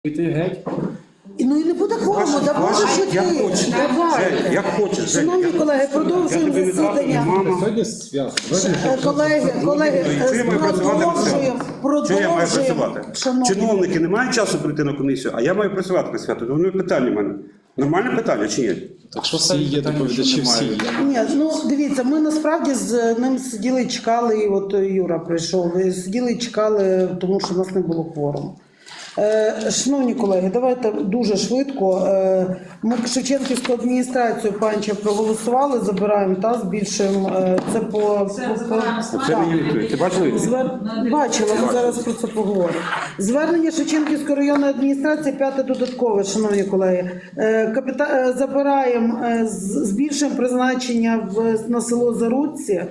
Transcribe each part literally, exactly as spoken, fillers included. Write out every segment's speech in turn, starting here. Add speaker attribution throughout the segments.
Speaker 1: Піти геть.
Speaker 2: Ну і не буде кворуму, да може що
Speaker 3: як
Speaker 2: ти.
Speaker 3: хочеш.
Speaker 2: Давайте.
Speaker 3: Як хочеш.
Speaker 2: Шановні колеги, продовжуємо засідання.
Speaker 1: Сьогодні свято.
Speaker 2: Е, Колеги, колеги,
Speaker 3: Чи я маю працювати на
Speaker 2: продовжуємо,
Speaker 3: Чи я маю
Speaker 2: продовжуємо.
Speaker 3: працювати?
Speaker 2: Шановні.
Speaker 3: Чиновники не мають часу прийти на комісію, а я маю працювати на свято. Тому питання в мене. Нормальне питання чи ні?
Speaker 1: Так що всі є доповідачі, всі є.
Speaker 2: Ні, ну дивіться, ми насправді з ним сиділи і чекали, і от Юра прийшов, і сиділи і чекали, тому що в нас не було кворуму. Е, шановні колеги, давайте дуже швидко. Е, ми Шевченківську адміністрацію Панча проголосували, забираємо та збільшуємо. Е, це по, по, по...
Speaker 3: Це мені відповідь. Ти бачила відповідь?
Speaker 2: Звер... Бачила, ми зараз про це поговоримо. Звернення Шевченківської районної адміністрації, п'яте додаткове, шановні колеги. Е, Капіта... е, Забираємо, е, з- збільшуємо призначення в... на село Зарудці.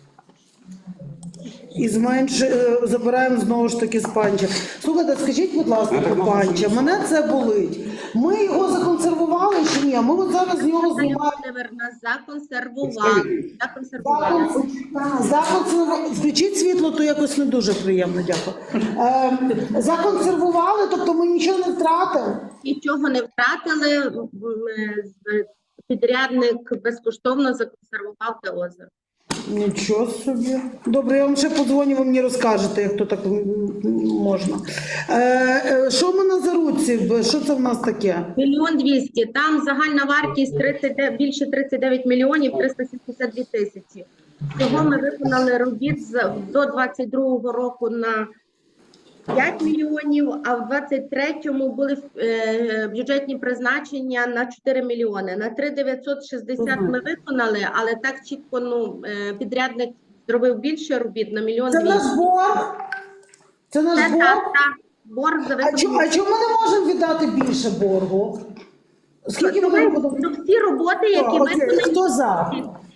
Speaker 2: І зменш... е, забираємо знову ж таки з Панча. Слухайте, скажіть, будь ласка, про Панча, мене це болить. Ми його законсервували чи ні? Ми от зараз з нього знімаємо.
Speaker 4: Володимирівна, законсервували. Законсервували.
Speaker 2: Законсервували. Включіть світло, то якось не дуже приємно, дякую. Е, законсервували, тобто ми нічого не втратили.
Speaker 4: Нічого не втратили. М, е, Підрядник безкоштовно законсервував те озеро.
Speaker 2: Нічого собі. Добре, я вам ще подзвоню, ви мені розкажете, як то так м, можна. Е, е, що ми на Заруці? Що це в нас таке?
Speaker 4: Мільйон двісті. Там загальна вартість тридцять, більше тридцять дев'ять мільйонів триста сімдесят дві тисячі. Всього ми виконали робіт з- до двадцять другого року на п'ять мільйонів, а в двадцять третьому були е, бюджетні призначення на чотири мільйони. На три дев'ятсот шістдесят ми виконали, але так чітко ну, е, підрядник зробив більше робіт на мільйон
Speaker 2: Це наш
Speaker 4: двісті.
Speaker 2: борг? Це наш
Speaker 4: Це
Speaker 2: борг?
Speaker 4: так, так. Борг за
Speaker 2: А чому, а
Speaker 4: виконання.
Speaker 2: чому ми не можемо віддати більше боргу? Скільки ми
Speaker 4: Тому
Speaker 2: будемо?
Speaker 4: ну, всі роботи, які
Speaker 2: Окей,
Speaker 4: виконані.
Speaker 2: хто за?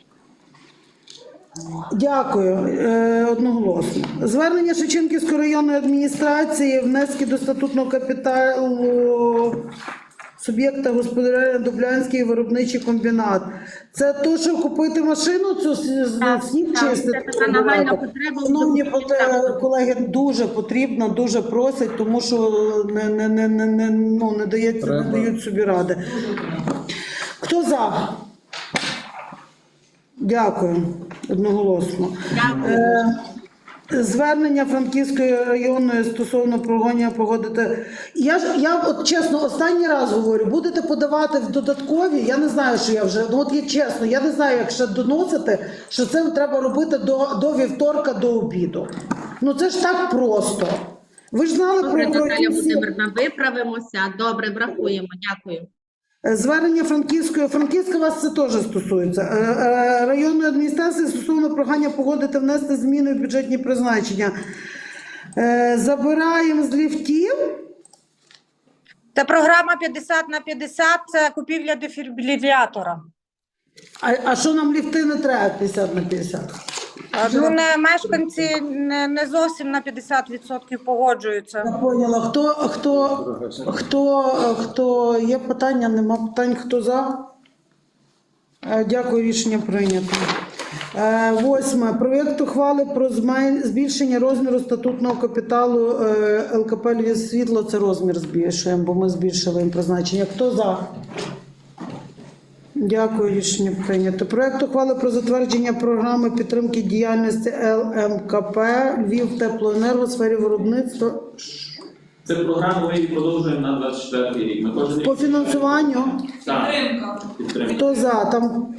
Speaker 2: Дякую. Е, одноголосно. Звернення Шевченківської районної адміністрації, внески до статутного капіталу суб'єкта господарювання Дублянський виробничий комбінат. Це то, що купити машину, цю с-
Speaker 4: Так,
Speaker 2: сніг
Speaker 4: так,
Speaker 2: чистити?
Speaker 4: це така нагальна потреба.
Speaker 2: Шановні
Speaker 4: Дуже
Speaker 2: поте-
Speaker 4: потрібна.
Speaker 2: колеги, дуже потрібно, дуже просять, тому що не, не, не, не, не, ну, не, дається, не
Speaker 1: Треба.
Speaker 2: дають собі ради. Хто за? Дякую. Одноголосно.
Speaker 4: Дякую.
Speaker 2: Е, Звернення Франківської районної стосовно прогонення погодити. Я ж я от чесно останній раз говорю, будете подавати в додаткові. Я не знаю, що я вже ну от є чесно. Я не знаю, як ще доносити, що це треба робити до, до вівторка, до обіду. Ну це ж так просто. Ви ж знали
Speaker 4: Добре,
Speaker 2: про, про
Speaker 4: Наталя
Speaker 2: ті всі-
Speaker 4: Володимирівна, виправимося. Добре, врахуємо. Дякую.
Speaker 2: Звернення Франківської, Франківська вас це теж стосується. Е, е, Районної адміністрації стосовно прохання погодити внести зміни в бюджетні призначення. Е, Забираємо з ліфтів.
Speaker 5: Це програма п'ятдесят на п'ятдесят, це купівля дефібрилятора.
Speaker 2: А, а що нам ліфти не треба п'ятдесят на п'ятдесят?
Speaker 5: Ну, не, мешканці не, не зовсім на п'ятдесят відсотків погоджуються.
Speaker 2: Я поняла. Хто, хто, хто, хто, є питання, нема питань, хто за? Е, Дякую, рішення прийнято. Е, Восьме. Проєкт ухвали про змен- збільшення розміру статутного капіталу е, ЛКП «Львів Світло». Це розмір збільшуємо, бо ми збільшили їм призначення. Хто за? Дякую, рішення прийнято. Проєкт ухвали про затвердження програми підтримки діяльності ЛМКП «Львів Теплоенерго» в сфері виробництва.
Speaker 6: Це програму ми її продовжуємо на двадцять четвертий рік. Ми кожен рік
Speaker 2: По фінансуванню.
Speaker 6: Так, підтримка.
Speaker 2: Хто за? Там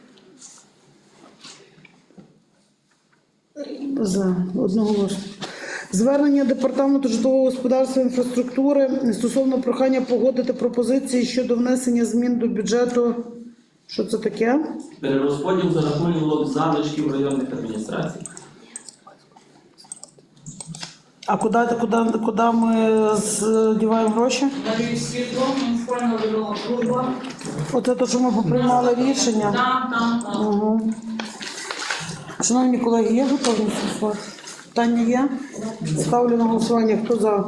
Speaker 2: за одноголосно. Звернення департаменту житлового господарства і інфраструктури стосовно прохання погодити пропозиції щодо внесення змін до бюджету. Що це таке?
Speaker 6: Перерозподіл за рахунок залишків районних адміністрацій.
Speaker 2: А куди, куди, куди ми здіваємо гроші?
Speaker 7: Львів світло, муніципальна районна служба.
Speaker 2: Оце те, що ми поприймали рішення.
Speaker 7: Там, там, там.
Speaker 2: Угу. Шановні колеги, є готовність голосувати? Питання є? Ставлю на голосування. Хто за?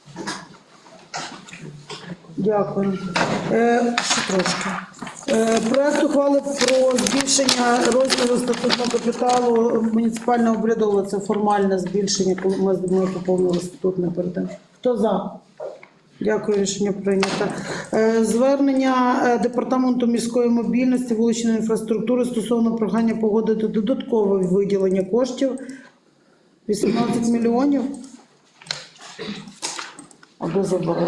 Speaker 2: Дякую. Е, ще трошки. Е, проект ухвали про збільшення розміру статутного капіталу муніципального обрядового. Це формальне збільшення, коли ми, ми поповнили статутне перед тим. Хто за? Дякую, рішення прийнято. Е, Звернення е, Департаменту міської мобільності, вуличної інфраструктури стосовно прохання погодити додаткове виділення коштів вісімнадцять мільйонів. Або забрали.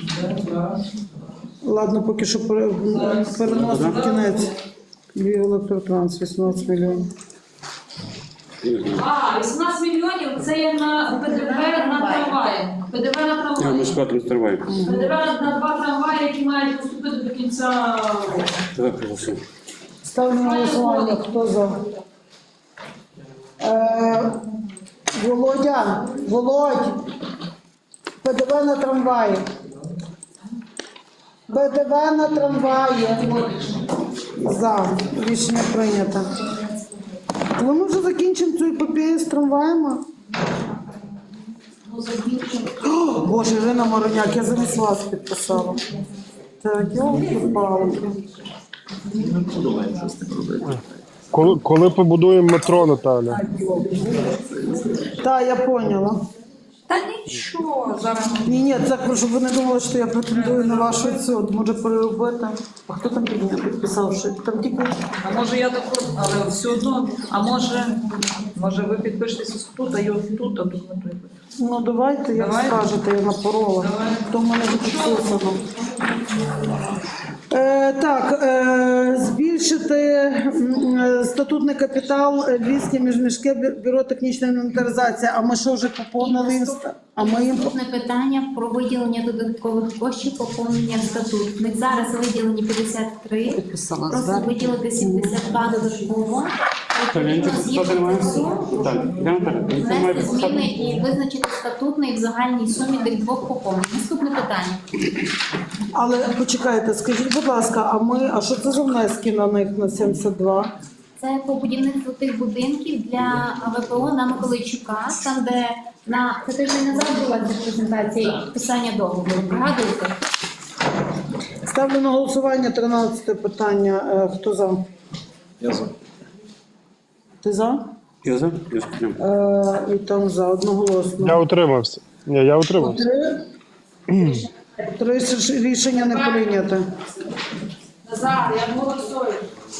Speaker 2: Ладно, поки що пере- переносимо в кінець. Львів електротранс, вісімнадцять мільйонів.
Speaker 7: А, вісімнадцять мільйонів це є на ПДВ на трамваї. ПДВ на
Speaker 3: Я ми
Speaker 7: трамваї.
Speaker 3: склад не стриваю.
Speaker 7: ПДВ на два трамваї, які мають поступити до кінця року.
Speaker 3: Давай проголосуємо.
Speaker 2: Ставлю на голосування. Хто за? Е, Володя, Володь, ПДВ на трамваї. ПДВ на трамваї. За. Рішення прийнято. Коли ми вже закінчимо цю епопею з трамваями? О, Боже, Ірина Мороняк, я замість вас підписала. Так, я впала.
Speaker 8: Коли, коли побудуємо метро, Наталя?
Speaker 2: Так, я поняла.
Speaker 5: Та нічого, зараз.
Speaker 2: Ні, ні, це щоб ви не думали, що я претендую на вашу цю. Може переробити. А хто там під мене підписав? Що там тільки
Speaker 9: А може я таку, але все одно, а може, може ви підпишетеся тут, а я тут, а тут не тут.
Speaker 2: ну давайте, як
Speaker 9: Давайте.
Speaker 2: скажете, я напорола.
Speaker 9: Давай.
Speaker 2: То в мене вже підписано. Е, так, е, збільшити м, е, статутний капітал е, Львівське міжміське бю- бюро технічної інвентаризації. А ми що вже поповнили? інста- А ми їм
Speaker 10: Наступне питання про виділення додаткових коштів поповнення статут. Ми зараз виділені п'ятдесят три,
Speaker 2: підписала
Speaker 10: просто
Speaker 2: звернення.
Speaker 10: виділити сімдесят два додатково. Відповідно, згідно цього,
Speaker 3: Так, я Наталя. Це має
Speaker 10: внести зміни і визначити статутний в загальній сумі тих двох поповнень. Наступне питання.
Speaker 2: Але почекайте, скажіть, будь ласка, а ми, а що це за внески на них на сімдесят два?
Speaker 10: Це по будівництву тих будинків для ВПО на Миколайчука, там де на це тиждень назад була ця презентація і підписання договору. Пригадуєте?
Speaker 2: Ставлю на голосування тринадцяте питання. Е, Хто за?
Speaker 1: Я за.
Speaker 2: Ти за?
Speaker 3: Я за? Я сприйняв.
Speaker 2: Е, І там за одноголосно.
Speaker 8: Я утримався. Ні, я утримався.
Speaker 2: Три. Три ж- рішення не прийнято.
Speaker 7: Назар, я голосую.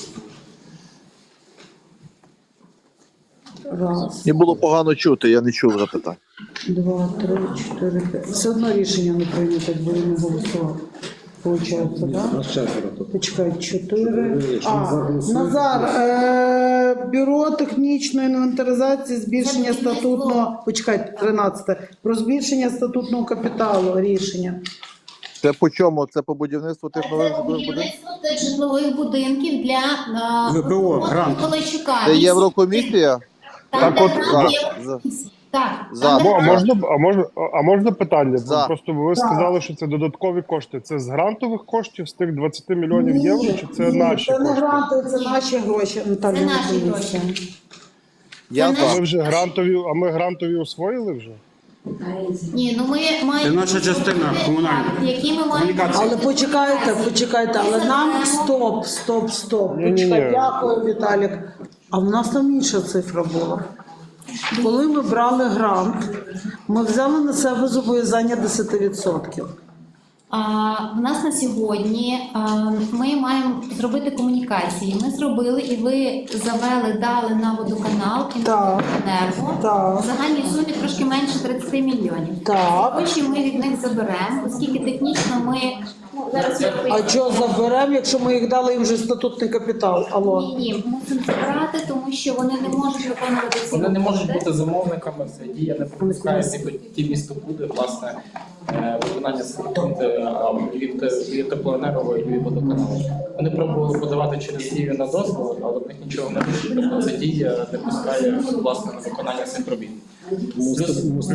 Speaker 2: Раз,
Speaker 11: Мені було погано чути, я не чув запитань.
Speaker 2: два, три, чотири, п'ять. Все одно рішення не прийнято, якби ви не голосували. Получається, так?
Speaker 1: Нас четверо тут.
Speaker 2: Почекай, чотири.
Speaker 1: Якщо
Speaker 2: А,
Speaker 1: Назар голосує,
Speaker 2: Назар, е, бюро технічної інвентаризації, збільшення статутного, почекай, тринадцяте, про збільшення статутного капіталу рішення.
Speaker 11: Це по чому? Це по будівництву тих нових
Speaker 10: Це
Speaker 11: житлових будинків?
Speaker 10: будівництво тих житлових будинків для е,
Speaker 3: ВПО, грант.
Speaker 10: Миколайчука.
Speaker 11: Це Єврокомісія?
Speaker 10: Там,
Speaker 8: Так
Speaker 10: де
Speaker 8: от,
Speaker 10: грант
Speaker 11: за-
Speaker 10: є- Так,
Speaker 11: За.
Speaker 10: там, де
Speaker 8: Бо, а
Speaker 10: грант
Speaker 8: можна, а можна, а можна питання?
Speaker 11: За.
Speaker 8: Просто ви сказали, що це додаткові кошти. Це з грантових коштів, з тих двадцяти мільйонів євро, чи це
Speaker 2: ні,
Speaker 8: наші
Speaker 2: це не
Speaker 8: кошти?
Speaker 2: гранти, це наші гроші. Наталя
Speaker 10: Це наші
Speaker 2: Миколаївна.
Speaker 10: гроші.
Speaker 11: Я
Speaker 10: Це
Speaker 11: за.
Speaker 8: А ми вже грантові, а ми грантові освоїли вже?
Speaker 10: Ні, ну ми маємо...
Speaker 3: Це наша частина комунальна.
Speaker 10: Так, які ми маємо...
Speaker 3: Комунікація.
Speaker 2: Але почекайте, почекайте, але нам стоп, стоп, стоп.
Speaker 8: Ні-ні-ні.
Speaker 2: Почекай, дякую, Віталік. А в нас там інша цифра була. Коли ми брали грант, ми взяли на себе зобов'язання десять відсотків.
Speaker 10: А, в нас на сьогодні а, ми маємо зробити комунікації. Ми зробили і ви завели, дали на водоканал «Інтеренерго»
Speaker 2: Так.
Speaker 10: в загальній сумі трошки менше тридцять мільйонів.
Speaker 2: Так.
Speaker 10: Гроші ми від них заберемо, оскільки технічно ми ну, зараз
Speaker 2: А що заберемо, якщо ми їх дали їм вже статутний капітал? Алло.
Speaker 10: ні, ні, мусимо забирати, тому що вони не можуть виконувати ці
Speaker 6: Вони не можуть
Speaker 10: роботи.
Speaker 6: бути замовниками, це дія не пропускає, ніби ті місто буде, власне, е, виконання статуту від, від теплоенерго і від водоканалу. Вони пробували подавати через дію на дозвіл, але в них нічого не вийшло. Тобто ця дія не пускає, власне, на виконання цих робіт. Плюс, плюс,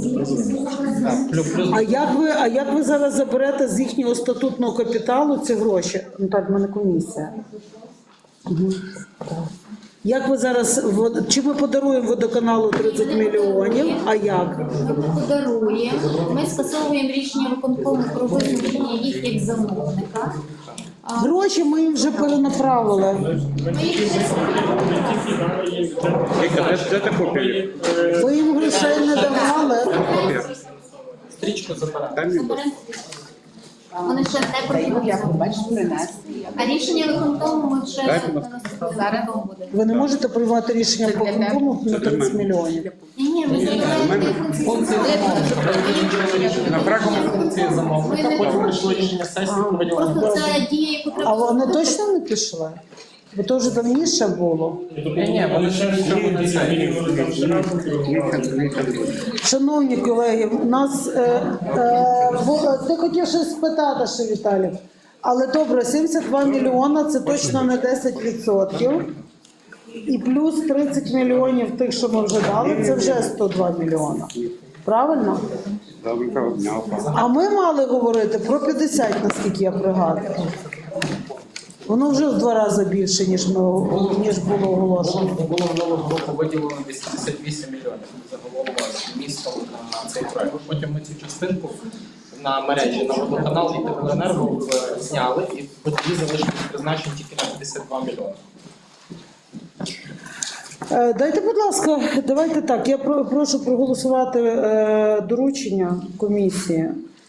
Speaker 6: так, плюс, плюс
Speaker 2: А як ви, а як ви зараз заберете з їхнього статутного капіталу ці гроші? Ну так, в мене комісія. Угу. Як ви зараз, вод- чи ми подаруємо водоканалу тридцять мільйонів, а як?
Speaker 10: Ми подаруємо, ми скасовуємо рішення виконкому про визначення їх як замовника. А,
Speaker 2: Гроші ми їм вже перенаправили.
Speaker 10: ми їх
Speaker 3: Віка, де, де та копія?
Speaker 2: Ви їм грошей не давали.
Speaker 3: Копія.
Speaker 6: стрічку забирати.
Speaker 3: Дай мені, будь ласка.
Speaker 10: заберемо. Вони ще не профінансовані. А рішення виконкому ми ще зараз буде.
Speaker 2: Ви не можете приймати рішення по виконкому на тридцять мільйонів.
Speaker 10: Ні, ні, ви забираєте
Speaker 3: На практиці
Speaker 6: Функції замовника, потім прийшло рішення сесії про виділення.
Speaker 10: Просто це дія, яку
Speaker 2: А
Speaker 10: треба
Speaker 2: вони
Speaker 10: зробити.
Speaker 2: точно не пішли? Бо то вже давніше було.
Speaker 6: Ні, ні, вони ще в цьому не це.
Speaker 2: Шановні колеги, у нас е, е, в- ти хотів щось спитати ще, Віталій. Але добре, сімдесят два мільйона це точно не десять відсотків. І плюс тридцять мільйонів тих, що ми вже дали, це вже сто два мільйона. Правильно?
Speaker 3: Доброго дня.
Speaker 2: А ми мали говорити про п'ятдесят, наскільки я пригадую. Воно вже в два рази більше, ніж, ми, ніж було оголошено.
Speaker 6: Було було минулого року виділено вісімдесят вісім мільйонів загалом містом на цей проект. Потім ми цю частинку на мережі, на водоканал і теплоенерго е, зняли, і тоді залишилось призначені тільки на п'ятдесят два мільйони.
Speaker 2: Е, Дайте, будь ласка, давайте так. Я про- прошу проголосувати е, доручення комісії,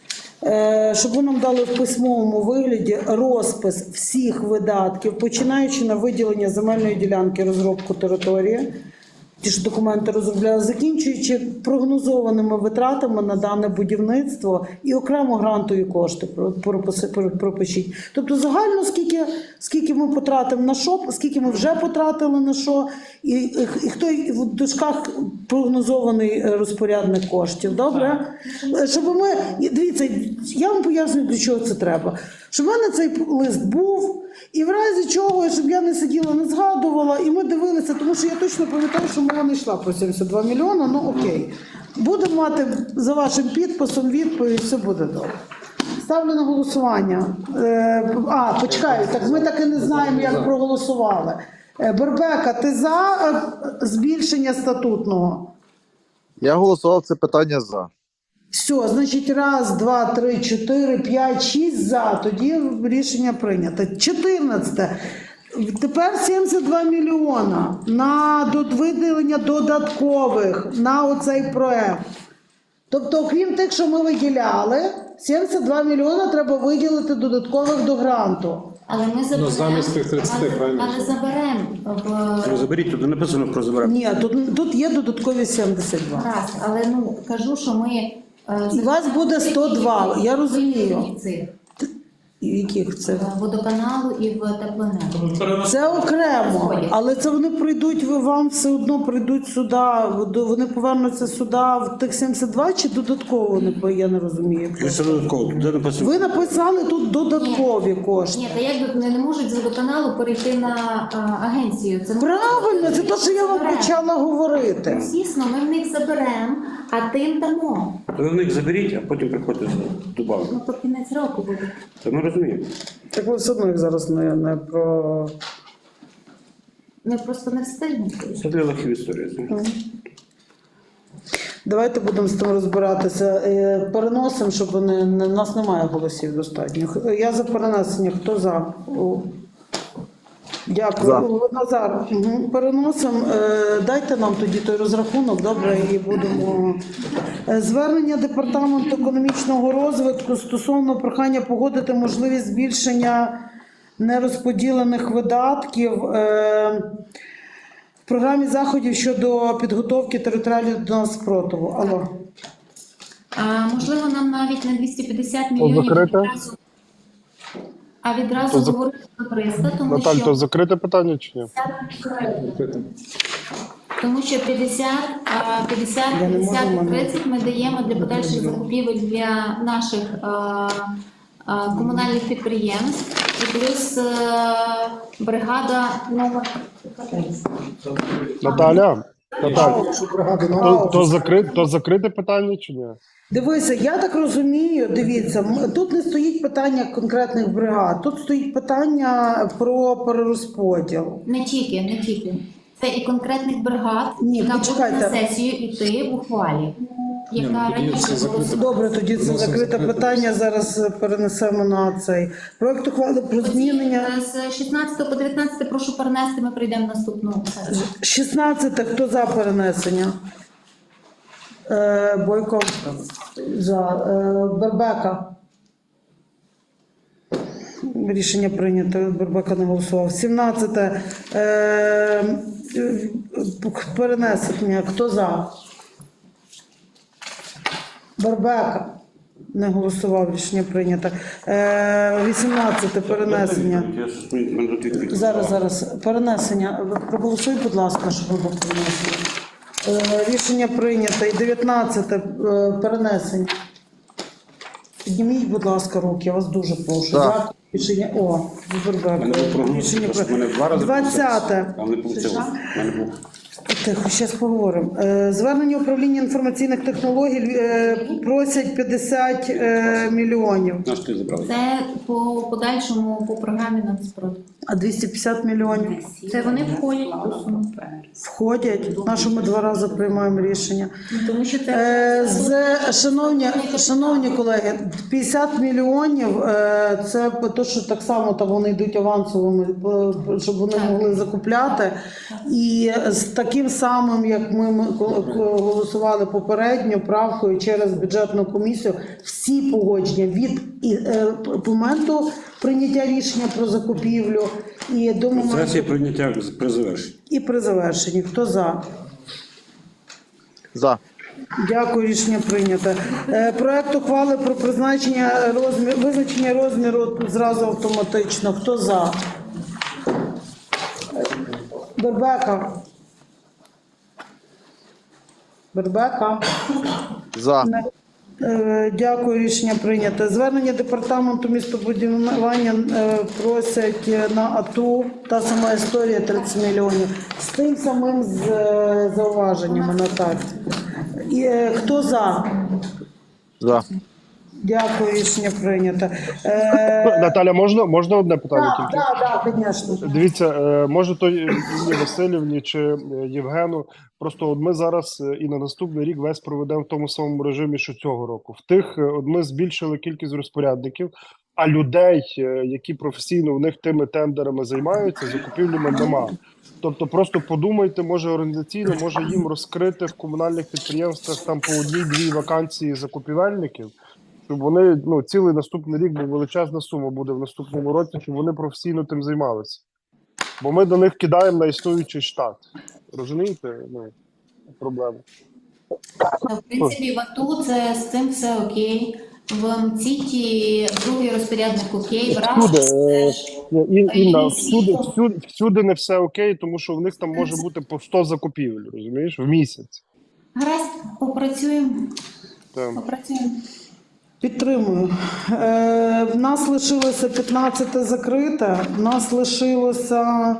Speaker 2: е, щоб ви нам дали в письмовому вигляді розпис всіх видатків, починаючи на виділення земельної ділянки, розробку території, ті ж документи розробляли, закінчуючи прогнозованими витратами на дане будівництво і окремо грантові кошти про- прописи- про- пропишіть. Тобто загально скільки, скільки ми потратимо на що, скільки ми вже потратили на що, і, і, і хто в дужках прогнозований е, розпорядник коштів. Добре? Е, Щоб ми, і дивіться, я вам пояснюю, для чого це треба. Щоб в мене цей лист був, і в разі чого, щоб я не сиділа, не згадувала, і ми дивилися, тому що я точно пам'ятаю, що мова не йшла про сімдесят два мільйона, ну окей. Будемо мати за вашим підписом відповідь, все буде добре. Ставлю на голосування. Е, а, почекаю, так ми так і не знаємо, як проголосували. Е, Бербека, ти за е, збільшення статутного?
Speaker 11: Я голосував це питання за.
Speaker 2: Все, значить, раз, два, три, чотири, п'ять, шість за. Тоді рішення прийнято. чотирнадцяте. Тепер сімдесят два мільйона на до- виділення додаткових на оцей проект. Тобто, окрім тих, що ми виділяли, сімдесят два мільйона треба виділити додаткових до гранту.
Speaker 10: Але ми заберемо.
Speaker 1: замість тих тридцяти,
Speaker 10: але-
Speaker 1: правильно?
Speaker 10: Але заберемо в
Speaker 3: Ну, заберіть, тут написано про заберемо.
Speaker 2: Ні, тут, тут є додаткові сімдесят два.
Speaker 10: раз, але ну кажу, що ми е,
Speaker 2: І у вас буде сто два, я розумію.
Speaker 10: цих
Speaker 2: І яких це?
Speaker 10: е, водоканалу і в теплоенерго.
Speaker 2: Це окремо, але це вони прийдуть, ви вам все одно прийдуть сюди, вони повернуться сюди в тих сімдесят два чи додатково, вони по- я не розумію.
Speaker 3: Це додатково, тут написано.
Speaker 2: Ви написали тут додаткові кошти.
Speaker 10: Ні, та як не, не можуть з водоканалу перейти на а, агенцію. Це
Speaker 2: Правильно, це те, що я вам
Speaker 10: Заберемо.
Speaker 2: почала говорити.
Speaker 10: Звісно, ми в них заберемо, а тим дамо.
Speaker 3: Ви в них заберіть, а потім приходьте добавити.
Speaker 10: Ну, то кінець року буде.
Speaker 3: Це ми розуміємо.
Speaker 2: Так ви все одно їх зараз не, не про...
Speaker 10: Ми просто не встигнемо.
Speaker 3: Це для лохів історії. знаєте.
Speaker 2: Давайте будемо з тим розбиратися. Е, Переносимо, щоб вони, не- нас немає голосів достатньо. Я за перенесення. Хто за? О. Дякую.
Speaker 11: За.
Speaker 2: О, Назар, угу. Переносимо. Е, Дайте нам тоді той розрахунок, добре, і будемо. Е, Звернення Департаменту економічного розвитку стосовно прохання погодити можливість збільшення нерозподілених видатків е, в програмі заходів щодо підготовки територіального до нас спротиву. Алло.
Speaker 10: А, можливо, нам навіть на двісті п'ятдесят мільйонів
Speaker 8: закрите?
Speaker 10: відразу, а відразу
Speaker 8: То за-
Speaker 10: говорити про триста, тому
Speaker 8: Наталь,
Speaker 10: що
Speaker 8: то закрите питання чи ні?
Speaker 10: Тому що п'ятдесят, а, п'ятдесят,
Speaker 2: Я не можу,
Speaker 10: п'ятдесят і
Speaker 2: мене-
Speaker 10: тридцять ми даємо для подальших закупівель для наших а, а, комунальних підприємств. І плюс а, бригада нова.
Speaker 8: Наталя, Наталь,
Speaker 2: Ау.
Speaker 8: то, то, закрите, то закрите питання чи ні?
Speaker 2: Дивися, я так розумію, дивіться, м- тут не стоїть питання конкретних бригад, тут стоїть питання про перерозподіл.
Speaker 10: Не тільки, не тільки. Це і конкретних бригад,
Speaker 2: Ні,
Speaker 10: яка буде
Speaker 2: почекайте.
Speaker 10: на сесію йти в ухвалі, яка
Speaker 1: ну, тоді
Speaker 10: раніше
Speaker 1: це
Speaker 10: була.
Speaker 1: закрите.
Speaker 2: Добре, тоді це закрите питання, зараз перенесемо на цей. Проект ухвали про змінення.
Speaker 10: З шістнадцятого по дев'ятнадцяте прошу перенести, ми прийдемо наступну сесію.
Speaker 2: шістнадцяте, хто за перенесення? Е, Бойко за. Е, Бербека. Рішення прийнято. Бербека не голосував. сімнадцяте. Е, е, перенесення. Хто за? Бербека. Не голосував. Рішення прийнято. Е, вісімнадцяте. Перенесення.
Speaker 3: Я щось мені- мене тут відповідь.
Speaker 2: Зараз, зараз. Перенесення. Проголосуй, будь ласка, щоб ви перенесли. Е, рішення прийнято. І дев'ятнадцяте. Е, перенесення. Підніміть, будь ласка, руки, я вас дуже прошу.
Speaker 11: Так.
Speaker 2: Дякую. Рішення. О,
Speaker 3: У мене був прогноз,
Speaker 2: Рішення
Speaker 3: що в мене два рази
Speaker 2: двадцяте.
Speaker 3: а не вийшло. У мене був.
Speaker 2: Тихо, зараз поговоримо. Е, Звернення управління інформаційних технологій е, просять п'ятдесят е, мільйонів.
Speaker 3: Наш ти забрали.
Speaker 10: Це по подальшому по програмі нацпрод.
Speaker 2: А двісті п'ятдесят мільйонів
Speaker 10: Це вони входять у суму.
Speaker 2: входять. На що ми два рази приймаємо рішення?
Speaker 10: Тому що це
Speaker 2: Е, з, шановні, шановні колеги, п'ятдесят мільйонів е, це те, що так само там вони йдуть авансовими, е, щоб вони могли закупляти. І з таким самим, як ми ми голосували попередньо, правкою через бюджетну комісію, всі погодження від і, е, моменту прийняття рішення про закупівлю і до моменту
Speaker 3: Сесія прийняття при завершенні.
Speaker 2: і при завершенні. Хто за?
Speaker 11: За.
Speaker 2: Дякую, рішення прийнято. Е, Проект ухвали про призначення розмір, визначення розміру зразу автоматично. Хто за? Бербека. Бербека.
Speaker 11: За.
Speaker 2: Е, Дякую, рішення прийнято. Звернення департаменту містобудування е, просять на АТУ, та сама історія тридцять мільйонів. З тим самим з е, зауваженнями, Наталь. І, е, хто за?
Speaker 11: За.
Speaker 2: Дякую, рішення прийнято. Е,
Speaker 8: Наталя, можна, можна одне питання
Speaker 2: Так,
Speaker 8: тільки?
Speaker 2: так, так, звісно.
Speaker 8: Дивіться, е, може то Інні Васильівні чи е, Євгену, просто от ми зараз е, і на наступний рік весь проведемо в тому самому режимі, що цього року. В тих, е, от ми збільшили кількість розпорядників, а людей, е, які професійно в них тими тендерами займаються, закупівлями нема. Тобто просто подумайте, може організаційно, може їм розкрити в комунальних підприємствах там по одній-дві вакансії закупівельників, щоб вони, ну, цілий наступний рік, бо величезна сума буде в наступному році, щоб вони професійно тим займалися. Бо ми до них кидаємо на існуючий штат. Розумієте? Ну, проблема.
Speaker 10: в принципі в АТУ це з цим все окей. В МЦІТі другий розпорядник окей. В
Speaker 8: Всюди,
Speaker 10: РАШ
Speaker 8: е, Ін- Інна,
Speaker 10: Ін-
Speaker 8: всюди, всюди, всюди не все окей, тому що в них там може бути по сто закупівель, розумієш, в місяць.
Speaker 10: гаразд, попрацюємо.
Speaker 8: Там.
Speaker 10: Попрацюємо.
Speaker 2: Підтримую. Е, в нас лишилося п'ятнадцяте закрите, в нас лишилося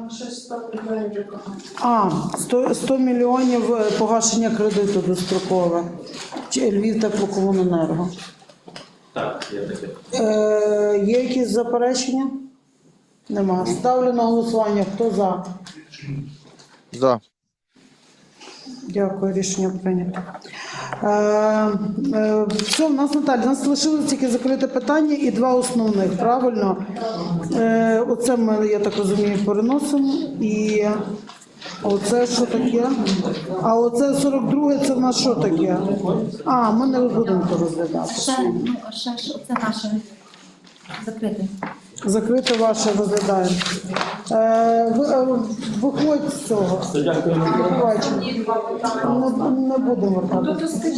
Speaker 2: а, сто, сто мільйонів погашення кредиту дострокове. Чи Львів теплокомуненерго.
Speaker 6: Так, є таке.
Speaker 2: Е, є якісь заперечення? Нема. Ставлю на голосування. Хто за?
Speaker 11: За.
Speaker 2: Дякую, рішення прийнято. Е, е, все, в нас, Наталя, у нас лишилось тільки закрите питання і два основних, правильно? Е, оце ми, я так розумію, переносимо. І оце що таке? А оце сорок друге, це в нас що таке? А, ми не будемо то розглядати.
Speaker 10: Ще, ну, ще ж це наше закрите.
Speaker 2: Закрите ваше розглядаємо. Е, ви, е, виходь з цього. Побачимо. Не, не будемо вертатися.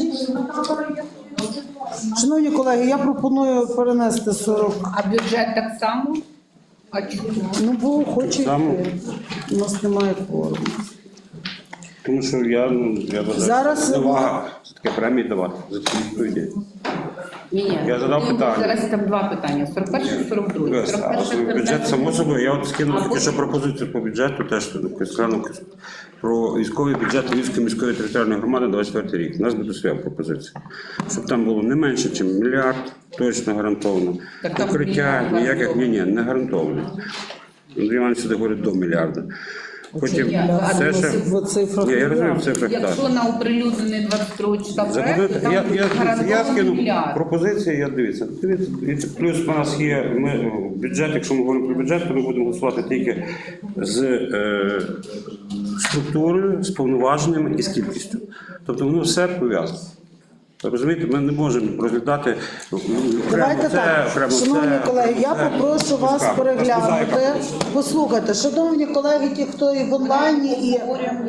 Speaker 2: Шановні колеги, я пропоную перенести сорок.
Speaker 9: А бюджет так само? А чому?
Speaker 2: Ну, бо хоче
Speaker 3: Само.
Speaker 2: йти. У нас немає кворуму.
Speaker 3: Тому що я, ну, я вважаю,
Speaker 2: Зараз-
Speaker 3: що невага все таки премії давати за ці відповіді.
Speaker 9: Ні, ні.
Speaker 3: Я задав питання.
Speaker 9: Зараз там два питання: сорок перше і сорок друге.
Speaker 3: Без, а от бюджет, само собою, я от скинув тільки що пропозицію по бюджету, теж тут сканув про військовий бюджет Львівської міської територіальної громади двадцять четвертий рік. У нас буде своя пропозиція. Щоб там було не менше, ніж мільярд, точно гарантовано.
Speaker 9: Так там
Speaker 3: Покриття
Speaker 9: мільярд.
Speaker 3: ніяких, ні, ні, не гарантовано. Андрій Іванович сюди говорить до мільярда. Потім
Speaker 9: я-
Speaker 3: все ще...
Speaker 2: В цифрах.
Speaker 3: Ні, я розумію в цифрах, так.
Speaker 9: Якщо на оприлюднений двадцять другого числа проект,
Speaker 3: Запитати,
Speaker 9: там
Speaker 3: я, я, я
Speaker 9: гарантований
Speaker 3: скину
Speaker 9: мільярд.
Speaker 3: пропозиції, я дивіться. Дивіться, дивіться, плюс у нас є ми, бюджет, якщо ми говоримо про бюджет, то ми будемо голосувати тільки з е, структурою, з повноваженнями і з кількістю. Тобто воно все пов'язано. Розумієте, ми не можемо розглядати окремо
Speaker 2: Давайте
Speaker 3: це,
Speaker 2: так,
Speaker 3: окремо
Speaker 2: шановні
Speaker 3: це,
Speaker 2: колеги, я
Speaker 3: це.
Speaker 2: попрошу вас
Speaker 3: Так,
Speaker 2: переглянути.
Speaker 3: розповідайте.
Speaker 2: Послухайте, шановні колеги, ті, хто і в онлайні, і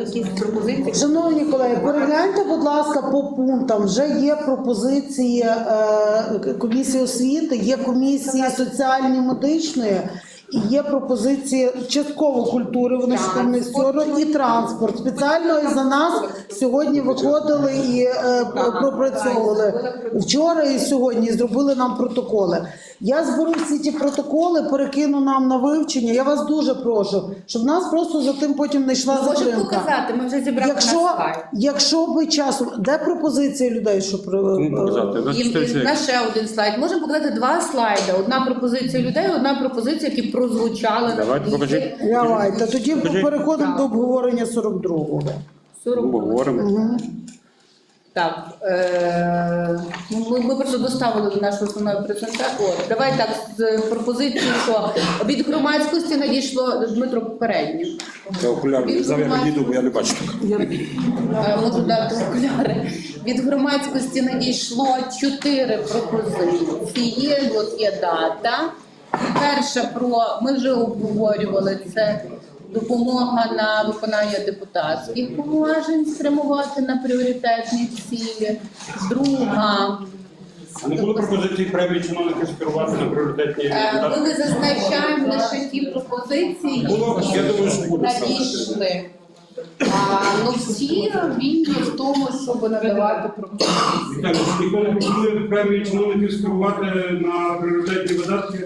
Speaker 2: шановні колеги, перегляньте, будь ласка, по пунктам. Вже є пропозиції е, комісії освіти, є комісії соціальної медичної. І є пропозиції частково культури, вони ж там не сторону, і транспорт. Спеціально і за нас сьогодні виходили і е, пропрацьовували вчора і сьогодні, і зробили нам протоколи. Я зберу всі ті протоколи, перекину нам на вивчення. Я вас дуже прошу, щоб в нас просто за тим потім не йшла
Speaker 12: Можемо
Speaker 2: затримка.
Speaker 12: показати, ми вже зібрали
Speaker 2: Якщо,
Speaker 12: на слайд.
Speaker 2: якщо би часом, де пропозиції людей, що про
Speaker 3: Кому показати? Ви
Speaker 12: І, і
Speaker 3: читайте.
Speaker 12: в нас ще один слайд. Можемо показати два слайди. Одна пропозиція людей, одна пропозиція, які прозвучали.
Speaker 3: Давайте, покажіть.
Speaker 2: Давайте, тоді
Speaker 3: Покажіть.
Speaker 2: переходимо до обговорення сорок другого.
Speaker 3: Говоримо.
Speaker 12: Так, е- ми, ми просто доставили до нашої основної презентації. От, давай так, з пропозицією, що від громадськості надійшло Дмитро попередній.
Speaker 3: Я окуляри не взяв, я відійду, бо я не бачу.
Speaker 12: Е, Можу дати окуляри. Від громадськості надійшло чотири пропозиції. От є дата. Перша про ми вже обговорювали це. Допомога на виконання депутатських повноважень спрямувати на пріоритетні цілі. Друга.
Speaker 3: А не було пропозиції премії чиновників скерувати на пріоритетні
Speaker 12: Е, Ми зазначаємо лише ті пропозиції,
Speaker 3: Було, я думаю, що
Speaker 12: які
Speaker 3: буде
Speaker 12: надійшли. А, ну всі вільні в тому, щоб надавати пропозиції.
Speaker 3: Віталій, ніхто не пропонує премії чиновників скерувати на пріоритетні видатки?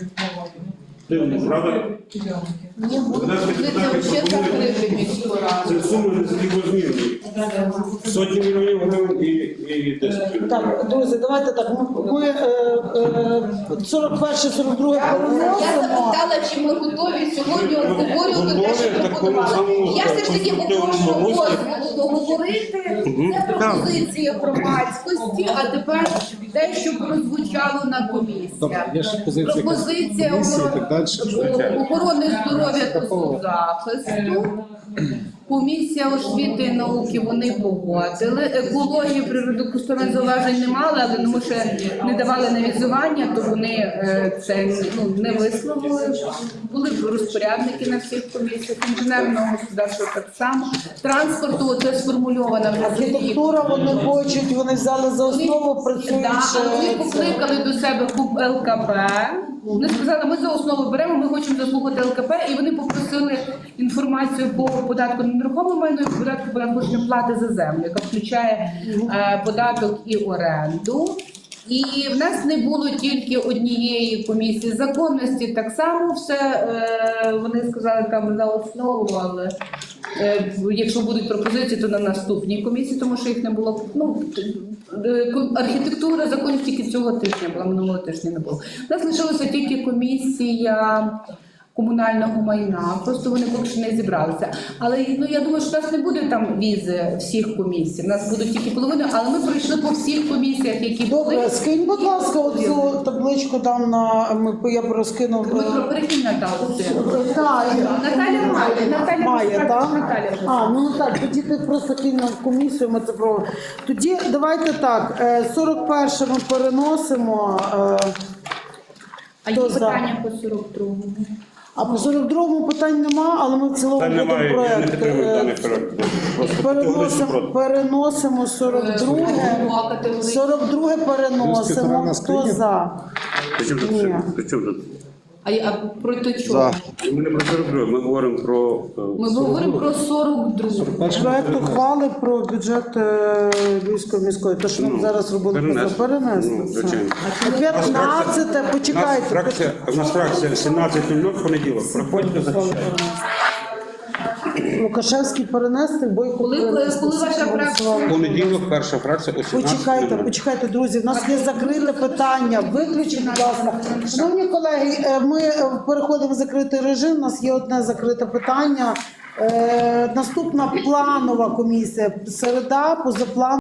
Speaker 3: Дивно, правда?
Speaker 12: Ні, пропозиція взагалі закрити міську раду.
Speaker 3: Це суми не такі змінні. Сотні мільйонів гривень і, і десять мільйонів.
Speaker 2: Так, друзі, давайте так. Ми, ми е, е, сорок перше, сорок друге
Speaker 12: Я
Speaker 2: переносимо.
Speaker 12: запитала, чи ми готові сьогодні обговорювати те, що
Speaker 3: Готові, такому самому
Speaker 12: пропонували. Я все ж таки
Speaker 3: конструктивному
Speaker 12: попрошу
Speaker 3: руслі.
Speaker 12: дозволу договорити. Це пропозиція громадськості, а тепер те, що прозвучало на
Speaker 1: Добре, є ще
Speaker 12: комісіях.
Speaker 1: позиція
Speaker 12: Пропозиція
Speaker 1: комісії і так далі.
Speaker 12: охорони- охорони здоров'я та соцзахисту. Комісія освіти і науки вони погодили. Екології природокористування зауважень не мали, але тому що не давали навізування, то вони е, це ну, не висловили. Були розпорядники на всіх комісіях, інженерного господарства так само. Транспорту це сформульовано в резолюції.
Speaker 2: Архітектура вони хочуть, вони взяли за основу, працюють.
Speaker 12: Да, але
Speaker 2: ще
Speaker 12: вони
Speaker 2: це.
Speaker 12: покликали до себе КУП ЛКП. Вони сказали, ми за основу беремо, ми хочемо заслухати ЛКП, і вони попросили інформацію по податку на нерухоме майно і податку податкової плати за землю, яка включає е, податок і оренду. І в нас не було тільки однієї комісії законності, так само все, е, вони сказали там за основу, але е, якщо будуть пропозиції, то на наступній комісії, тому що їх не було. Ну, е, архітектура законів тільки цього тижня була, минулого тижня не було. У нас лишилася тільки комісія комунального майна, просто вони поки що не зібралися. Але ну, я думаю, що в нас не буде там візи всіх комісій, у нас будуть тільки половина, але ми пройшли по всіх комісіях, які були.
Speaker 2: Добре, скинь, будь ласка, оцю табличку там на ми я б розкинув.
Speaker 12: Дмитро, перекинь Наталу.
Speaker 2: Так,
Speaker 12: Наталя має, Наталя
Speaker 2: має, так?
Speaker 12: Наталя вже.
Speaker 2: А, ну так, тоді ти просто кинь на комісію, ми це проводимо. Тоді давайте так, е, сорок перше ми переносимо. е,
Speaker 12: А є
Speaker 2: Хто за?
Speaker 12: питання по сорок другому?
Speaker 2: А по сорок другому питань нема, але ми в цілому
Speaker 3: Та
Speaker 2: будемо
Speaker 3: немає, я не
Speaker 2: проект.
Speaker 3: підтримую
Speaker 2: е,
Speaker 3: даний проект. Просто категорично
Speaker 2: Переносимо,
Speaker 3: проти.
Speaker 2: переносимо сорок друге. сорок друге переносимо. Хто за?
Speaker 3: При чому тут
Speaker 2: Ні.
Speaker 3: це? При чому тут?
Speaker 12: А, а проти
Speaker 11: За.
Speaker 12: чого?
Speaker 3: Ми не про сорок друге, ми говоримо про... е,
Speaker 12: Ми говоримо про сорок другу.
Speaker 2: Проект ухвали про бюджет е, Львівської міської. То, що ми
Speaker 3: Ну,
Speaker 2: зараз робили,
Speaker 3: перенесли.
Speaker 2: перенесли.
Speaker 3: Ну,
Speaker 2: це.
Speaker 3: звичайно.
Speaker 2: п'ятнадцяте,
Speaker 3: У нас
Speaker 2: почекайте.
Speaker 3: фракція, у нас фракція сімнадцять нуль нуль в понеділок. Приходьте, захищайте.
Speaker 2: Лукашевський перенести, Бойко
Speaker 12: Коли-
Speaker 2: перенести.
Speaker 12: коли ваша
Speaker 2: Всі
Speaker 12: фракція?
Speaker 2: голосували.
Speaker 3: В понеділок перша фракція о сімнадцять
Speaker 2: Почекайте, почекайте, друзі. В нас є закрите питання. Виключіть, будь ласка. Шановні колеги, е, ми е, переходимо в закритий режим. У нас є одне закрите питання. Е, Наступна планова комісія. Середа, позаплан.